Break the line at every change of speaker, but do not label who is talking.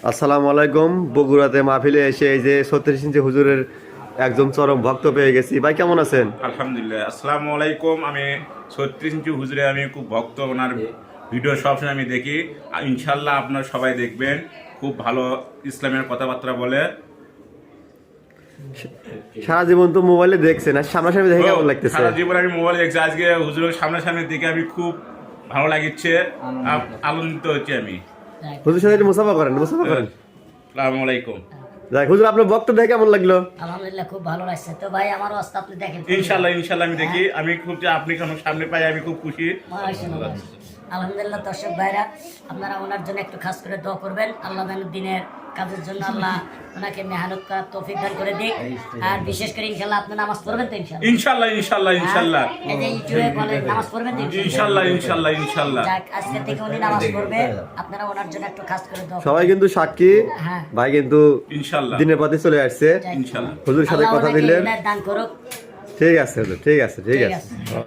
আসসালামু আলাইকুম। বগুড়াতে মাহফিলে এসে এই যে 36 ইঞ্চি হুজুরের একদম চরম ভক্ত পেয়ে গেছি। ভাই কেমন আছেন?
আলহামদুলিল্লাহ। আসসালামু আলাইকুম। আমি 36 ইঞ্চি হুজুরে আমি খুব ভক্ত, ওনার ভিডিও সবসময় আমি দেখি। আর ইনশাল্লাহ আপনারা সবাই দেখবেন, খুব ভালো ইসলামের কথাবার্তা বলে।
সারা জীবন তো মোবাইলে দেখছেন, আর সামনাসামনি দেখে কেমন লাগতেছে?
সারা জীবন আমি মোবাইল দেখছি, আজকে হুজুরের সামনাসামনি দেখে আমি খুব ভালো লাগছে, আনন্দিত হচ্ছি আমি।
হুজুর সাথে একটু মুসাফা করেন।
আসসালামু আলাইকুম।
যাক হুজুর, আপনার বক্ত দেখে কেমন লাগলো?
আলহামদুলিল্লাহ, খুব ভালো লাগছে। তো ভাই আমার অবস্থা আপনি দেখেন।
ইনশাল্লাহ আমি দেখি, আমি খুব যে আপনি আমার সামনে পাই আমি খুব খুশি।
আলহামদুলিল্লাহ। দর্শক ভাইরা, আপনারা ওনার জন্য একটু খাস করে দোয়া করবেন। আল্লাহ যেন দিনের কাজের জন্য আল্লাহ ওনাকে মেহনত করার তৌফিক দান করে দিক। আর বিশেষ করে ইনশাল্লাহ আপনি নামাজ পড়বেন তো?
ইনশাল্লাহ
এই যে ইউটিউবে বলে নামাজ পড়বেন তো?
ইনশাল্লাহ।
যাক, আজকে থেকে উনি নামাজ পড়বে, আপনারা ওনার জন্য একটু খাস করে দোয়া
সবাই কিন্তু সাক্ষী।
হ্যাঁ।
ভাই কিন্তু
ইনশাল্লাহ
দিনের পথে চলে আসছে।
ইনশাল্লাহ।
হুজুরের সাথে
আল্লাহ
কথা
ওনাকে
দিলেন।
দান করুক।
ঠিক আছে হুজুর, ঠিক আছে।